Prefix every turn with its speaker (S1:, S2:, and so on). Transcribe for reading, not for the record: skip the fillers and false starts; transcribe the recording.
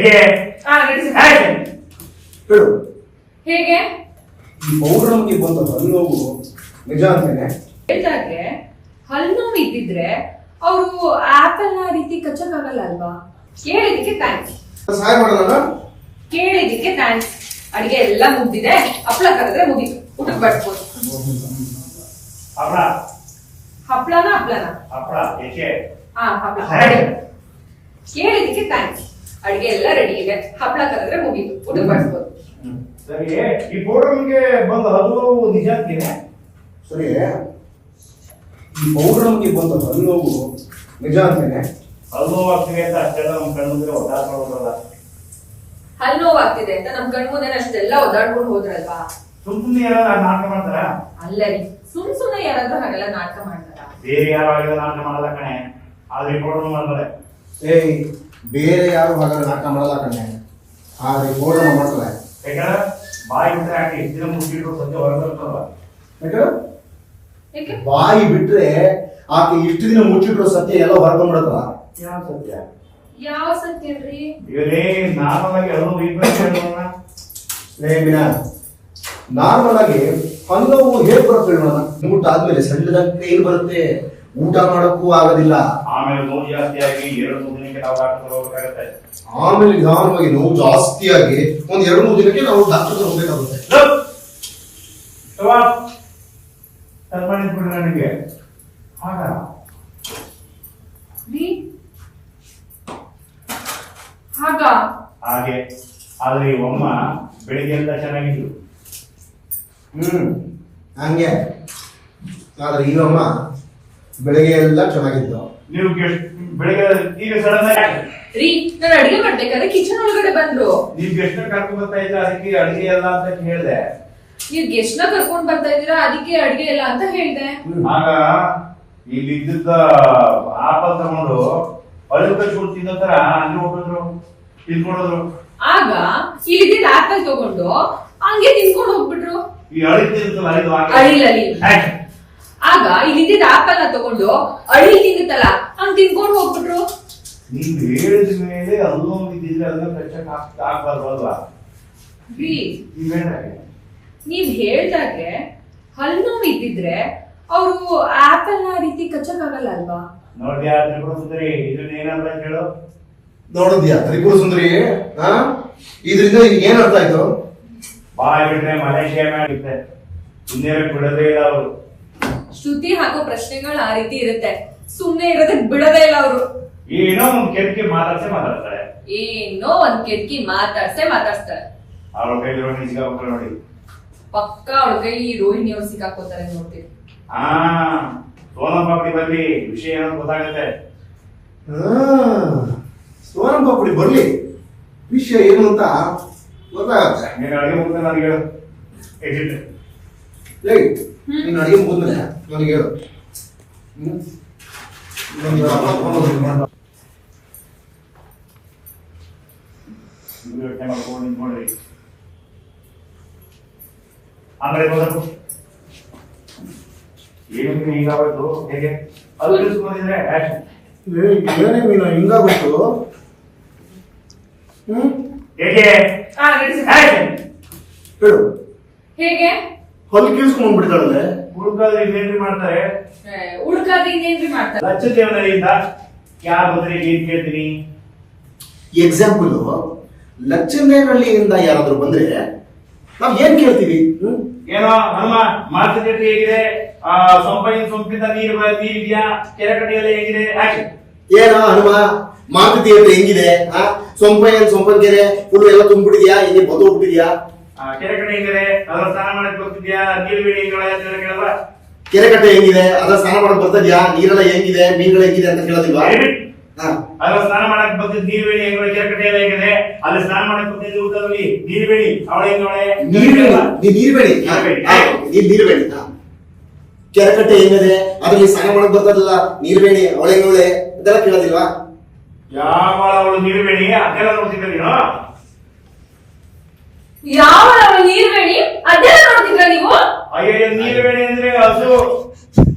S1: ಹೇಗೆ
S2: ಹೇಳು.
S3: ಹೇಗೆ
S2: ಈ ಪೌಡರ್ ನಮಗೆ ಬಂತ ಹಲ್ಲು ನೋವು ನಿಜ ಅಂತೇನೆ
S3: ಹೇಳ್ದಾಗೆ ಹಲ್ಲು ನೋವು ಇದ್ದಿದ್ರೆ ಅವರು ಆಪಲ್ ನ ರೀತಿ ಕಚ್ಚಕ್ಕಾಗಲ್ಲ ಅಲ್ವಾ? ಕೇಳಿದಕ್ಕೆ ಥ್ಯಾಂಕ್ಸ್.
S2: ಸಹಾಯ ಮಾಡೋಣ.
S3: ಕೇಳಿದಕ್ಕೆ ಥ್ಯಾಂಕ್ಸ್. ಅಡಿಗೆ ಎಲ್ಲ ಮುಗ್ದಿದೆ, ಹಪ್ಳ ಕರೆದ್ರೆ ಮುಗೀತು, ಊಟಕ್ಕೆ ಬಡ್ಬೋದು.
S1: ಹಪ್ಪಳ
S3: ಹಪ್ಳನ
S1: ಏಕೆ
S3: ಹಪ್ಳ ಕೇಳಿದಕ್ಕೆ ಥ್ಯಾಂಕ್ಸ್. ಅಡಿಗೆ ಎಲ್ಲ ರೆಡಿ ಇದೆ, ಹಪ್ಳ ಕರೆದ್ರೆ ಮುಗೀತು, ಊಟಕ್ಕೆ ಬಡ್ಬೋದು.
S1: ಸರಿ, ಈ ಪೌಡರ್ ನಮಗೆ ಬಂದ ಹಲ್ಲು ನಿಜ ಅಂತೀನಿ.
S2: ಸರಿ, ಈ ಪೌಡರ್ ನಮಗೆ ಬಂತ ಹಲ್ಲು ನೋವು ನಿಜ ಅಂತೇನೆ.
S1: ಹಲ್ಲು ನೋವು ಆಗ್ತಿದೆ ಅಂತ ಅಷ್ಟೆಲ್ಲ ನಮ್ಮ ಕಣ್ಣು ಮುಂದೆ ಒದ್ದಾಡ್ಕೊಳ್ಳೋದಲ್ಲ.
S3: ಹಲ್ಲು ನೋವು ಆಗ್ತಿದೆ ಅಂತ ನಮ್ ಕಣ್ ಮುಂದೆ ಅಷ್ಟೆಲ್ಲ ಒದ್ದಾಡ್ಕೊಂಡು ಹೋದ್ರಲ್ವಾ?
S1: ಸುಮ್ಮನೆ ಯಾರು ನಾಟಕ ಮಾಡ್ತಾರ?
S3: ಅಲ್ಲ ರೀ, ಸುಮ್ನೆ ಯಾರಾದ್ರೂ ಹಾಗೆಲ್ಲ ನಾಟಕ ಮಾಡ್ತಾರ?
S1: ಬೇರೆ ಯಾರು ಹಾಗೆಲ್ಲ ನಾಟಕ ಮಾಡಲ್ಲ ಕಣೆ, ಆದ್ರೆ ಈ ಪೌಡರ್ ಮಾಡ್ತಾರೆ.
S2: ಏಯ್, ಬೇರೆ ಯಾರು ಹಾಗಾದ್ರೆ ನಾಟಕ ಮಾಡಲ್ಲ ಕಣ್ಣೆ, ಆದ್ರೆ ಪೌಡರ್ ಮಾಡ್ತಾರೆ.
S1: ಯಾಕಂದ್ರೆ ಬಾಯಿ ಬಿಟ್ರೆ ಹಾಕಿ ಎಷ್ಟು ದಿನ ಮುಚ್ಚಿಟ್ರು ಸತ್ಯ ಹೊರಗೆ ಬರ್ತಲ್ವ?
S3: ಯಾಕೆ?
S2: ಬಾಯಿ ಬಿಟ್ರೆ ಆಕೆ ಇಷ್ಟು ದಿನ ಮುಚ್ಚಿಟ್ರು ಸತ್ಯ ಎಲ್ಲ ಹೊರಗೊಂಡ್ಬಿಡತ್ತಲ್ಲ.
S1: ಯಾವ ಸತ್ಯ?
S3: ಯಾವ ಸತ್ಯ ರೀ?
S1: ಇವರೇ ನಾರ್ಮಲ್ ಆಗಿ ಹಲ್ಲು ವೀಕ್ನೆಸ್
S2: ನಾರ್ಮಲ್ ಆಗಿ ಹಲ್ಲವು ಹೇಗ್ ಬರುತ್ತೆ ಹೇಳೋಣ. ಊಟ ಆದ್ಮೇಲೆ ಸಣ್ಣದಾಗಿ ಕೈಲಿ ಬರುತ್ತೆ, ಊಟ ಮಾಡೋಕ್ಕೂ ಆಗೋದಿಲ್ಲ.
S1: ಆಮೇಲೆ ನೋವು ಜಾಸ್ತಿ ಆಗಿ 2-3 ದಿನಕ್ಕೆ ನಾವು ಡಾಕ್ಟರ್ ಹೋಗ್ಬೇಕಾಗತ್ತೆ.
S2: ಆಮೇಲೆ ನಿಧಾನವಾಗಿ ನೋವು ಜಾಸ್ತಿ ಆಗಿ 1-2-3 ದಿನಕ್ಕೆ ನಾವು ಡಾಕ್ಟರ್ ಹೋಗ್ಬೇಕಾಗುತ್ತೆ.
S1: ನನಗೆ ಆಗ ಹಾಗೆ ಆದ್ರೆ ಈ ಅಮ್ಮ ಬೆಳಿಗ್ಗೆ ಎಲ್ಲ ಚೆನ್ನಾಗಿದ್ರು.
S2: ಹಂಗೆ ಆದ್ರೆ ಈಗಮ್ಮ ಬೆಳಿಗ್ಗೆ ಎಲ್ಲ ಚೆನ್ನಾಗಿದ್ದು.
S1: ನೀವು ಬೆಳಿಗ್ಗೆ ಈಗ ಸಡನ್ ಆಗಿ
S3: ರೀ, ನಾನು ಅಡಿಗೆ ಮಾಡ್ಬೇಕಾದ್ರೆ ಕಿಚನ್ ಒಳಗಡೆ ಬಂದ್ರು.
S1: ನೀವ್ ಗೆಸ್ಟ್ ಕರ್ಕೊಂಡ್ ಬರ್ತಾ ಇದ್ರ, ಅದಕ್ಕೆ ಅಡಿಗೆ ಎಲ್ಲ ಅಂತ ಹೇಳ್ದೆ.
S3: ನೀವ್ ಗೆಸ್ಟ್ ನ ಕರ್ಕೊಂಡ್ ಬರ್ತಾ ಇದೀರಾ, ಅದಕ್ಕೆ ಅಡಿಗೆ ಇಲ್ಲ ಅಂತ ಹೇಳ್ದೆ.
S1: ಆಗ ಇಲ್ಲಿ ಇದ್ದಿದ್ದ ಆಪಲ್ ತಗೊಂಡು ಅಳಿವು ಕಚ್ಕೊಂಡು ತಿನ್ನೋ ತರ ಅಲ್ಲಿ ಹೋಗಿದ್ರು, ತಿನ್ಕೊಂಡೋದ್ರು.
S3: ಆಗ ಇಲ್ಲಿದ್ದ ಆಪಲ್ ತಗೊಂಡು ಹಂಗೆ ತಿನ್ಕೊಂಡು ಹೋಗ್ಬಿಟ್ರು.
S1: ಈ ಅಳಿಲ್ ತಿನ್ನುತ್ತಲ್ಲ
S3: ಅಳಿಲಲ್ಲಿ ಆಗ ಇಲ್ಲಿದ್ದ ಆಪಲ್ ನ ತಗೊಂಡು ಅಳಿಲ್ ತಿನ್ನುತ್ತಲ್ಲ ಹಂಗ್ ತಿನ್ಕೊಂಡು ಹೋಗ್ಬಿಟ್ರು.
S1: ನೀವ್ ಹೇಳಿದ ಮೇಲೆ ಅಲ್ಲೂ ಇದ್ದಿದ್ರೆ ಅದನ್ನ ಕಚ್ಚಕ್ ಆಗ್ಬಾರ್ದು ಅಲ್ವಾ?
S3: ನೀವ್ ಹೇಳ್ದಾಗೆ ಹಲ್ಲು ನೋವು ಇದ್ದಿದ್ರೆ ಅವರು ಆಪಲ್ ನ ರೀತಿ ಕಚ್ಚಕ್ಕಾಗಲ್ಲ ಅಲ್ವಾ?
S1: ನೋಡ್ದ್ಯಾ ತ್ರಿಪುರ ಸುಂದರಿ, ಇದನ್ನ ಏನಂತ ಹೇಳು.
S2: ನೋಡಿದ್ಯಾ ತ್ರಿಪುರ ಸುಂದರಿ? ಇದರಿಂದ ಏನ್ ಅರ್ಥ ಆಯ್ತು?
S1: ಬಾಯ್ ಬಿಟ್ರೆ ಮಲೇಷಿಯಾ ಮಾಡಿರುತ್ತೆ, ಸುಮ್ಮನೆ ಬಿಡೋದೇ ಇಲ್ಲ ಅವರು.
S3: ಶ್ರುತಿ ಹಾಕೋ ಪ್ರಶ್ನೆಗಳು ಆ ರೀತಿ ಇರುತ್ತೆ, ಸುಮ್ನೆ ಇರೋದಕ್ ಬಿಡೋದೇ ಇಲ್ಲ ಅವರು.
S1: ಏನೋ ಒಂದ್ ಕೆಟ್ಟಿ ಮಾತಾಡ್ತಾರೆ,
S3: ಏನೋ ಒಂದ್ ಕೆಟ್ಟಿ ಮಾತಾಡ್ಸ್ತಾರೆ.
S1: ಅವ್ರ ಕೈಲಿ ರೋಹಿಣಿ ಸಿಕ್ಕಾಕೋತಾರೆ ನೋಡಿ.
S3: ಪಕ್ಕ ಅವಳ ಕೈಲಿ ರೋಹಿಣಿ ಅವ್ರು ಸಿಕ್ಕಾಕೋತಾರೆ ನೋಡ್ತೀವಿ.
S1: ಸೋನಂ ಪಾಪಡಿ ಬರ್ಲಿ, ವಿಷಯ ಏನೋ ಗೊತ್ತಾಗತ್ತೆ.
S2: ಸೋನಂ ಪಾಪಡಿ ಬರ್ಲಿ, ವಿಷಯ ಏನು ಅಂತ ಗೊತ್ತಾಗತ್ತೆ.
S1: ನೀನು ಅಡಿಗೆ ಮುಗಿದ ನನಗೆ ಹೇಳು.
S2: ನೀನು ಅಡಿಗೆ ಮುಗಿದ್ಮೇಲೆ ನನಗೆ ಹೇಳು.
S1: ನೋಡ್ರಿ ಆಮೇಲೆ ಏನು ಹೀಗಾಗೋಯ್ತು, ಹೇಗೆ ಅದು ತಿಳಿಸ್ಕೊಂಡಿದ್ರೆ
S2: ಏನೇ ಮೀನು ಹಿಂಗಾಗೋಯ್ತು?
S1: ಹೇಗೆ
S2: ಹೇಳು.
S3: ಹೇಗೆ
S2: ಹೊಲ್ ಕೀಳ್ಸ್ಕೊಂಡ್ ಬಿಡ್ತಾಳಲ್ಲೇ.
S1: ಹುಡುಕಾದ್ರೆ ಇನ್ನೇನ್ರಿ ಮಾಡ್ತಾರೆ?
S3: ಹುಡುಕಾದ್ರೆ ಇನ್ನೇನ್ರಿ ಮಾಡ್ತಾರೆ?
S1: ಲಕ್ಷ ದೇವನರಿಂದ ಯಾರು ಬಂದ್ರೆ ಏನ್ ಕೇಳ್ತೀನಿ.
S2: ಎಕ್ಸಾಂಪಲ್, ಲಕ್ಷಣಹಳ್ಳಿಯಿಂದ ಯಾರಾದ್ರೂ ಬಂದ್ರೆ ನಾವ್ ಏನ್ ಕೇಳ್ತೀವಿ?
S1: ಏನೋ ನಮ್ಮ ಮಾತುಕತೆ ಹೇಗಿದೆ, ಸೊಂಪಿಂದ ನೀರಿದ್ಯಾ, ಕೆರೆ ಕಟ್ಟೆಯಲ್ಲಿ ಹೇಗಿದೆ?
S2: ಏನೋ ಹನುಮ ಮಾತುಕತೆ ಹೆಂಗಿದೆ? ಸೊಂಪನ್ ಕೆರೆ ಫುಲ್ ಎಲ್ಲ ತುಂಬಿಟ್ಟಿದ್ಯಾ, ಹಿಂಗೆ ಬದು ಹೋಗ್ಬಿಟ್ಟಿದ್ಯಾ?
S1: ಕೆರೆ ಕಟ್ಟೆ ಹೆಂಗಿದೆ, ಅದ್ರ ಸ್ನಾನ ಮಾಡಕ್ ಬರ್ತಿದ್ಯಾ, ನೀರುವೀಣಿ ಕೇಳಲ್ವಾ?
S2: ಕೆರೆ ಕಟ್ಟೆ ಹೆಂಗಿದೆ, ಅದ್ರ ಸ್ನಾನ ಮಾಡಕ್ ಬರ್ತಿದ್ಯಾ, ನೀರೆಲ್ಲ ಹೆಂಗಿದೆ, ಮೀನುಗಳು ಹೆಂಗಿದೆ ಅಂತ ಕೇಳೋದಿಲ್ವಾ?
S1: ಅದ್ರ ಸ್ನಾನ ಮಾಡಕ್ ಬರ್ತಿದ್ ನೀರುವೀಣಿ ಹೆಂಗಳೆ, ಕೆರೆ ಕಟ್ಟೆ ಎಲ್ಲ ಹೇಗಿದೆ, ಅಲ್ಲಿ ಸ್ನಾನ ಮಾಡಕ್ ಬರ್ತಿದ್ದ ಊಟದಲ್ಲಿ ನೀರುವೀಣಿ ಅವಳೆ ಹೆಂಗಳೆ,
S2: ನೀರ್ಬೇಡಿ ಕೆರೆ ಕಟ್ಟೆ ಹೆಂಗಿದೆ, ಅದ್ರಲ್ಲಿ ಸ್ನಾನ ಮಾಡಕ್ ಬರ್ತದಲ್ಲ ನೀರ್ಬೇಡಿ ಅವಳೆ ಹೆಂಗಳೆ ಇದೆಲ್ಲ ಕೇಳೋದಿಲ್ವಾ?
S1: ಯಾವ ಅವಳು ನೀರುವೀಣಿ ಅದೆಲ್ಲ ನೋಡ್ತಿದ್ದ ನೀನು?
S3: ಯಾವ ನೀರ್ಬೇಡಿ ಅದೆಲ್ಲ ನೋಡ್ತಿದ್ರ ನೀವು?
S1: ಅಯ್ಯೋ ನೀರುವೀಣಿ ಅಂದ್ರೆ ಹಸು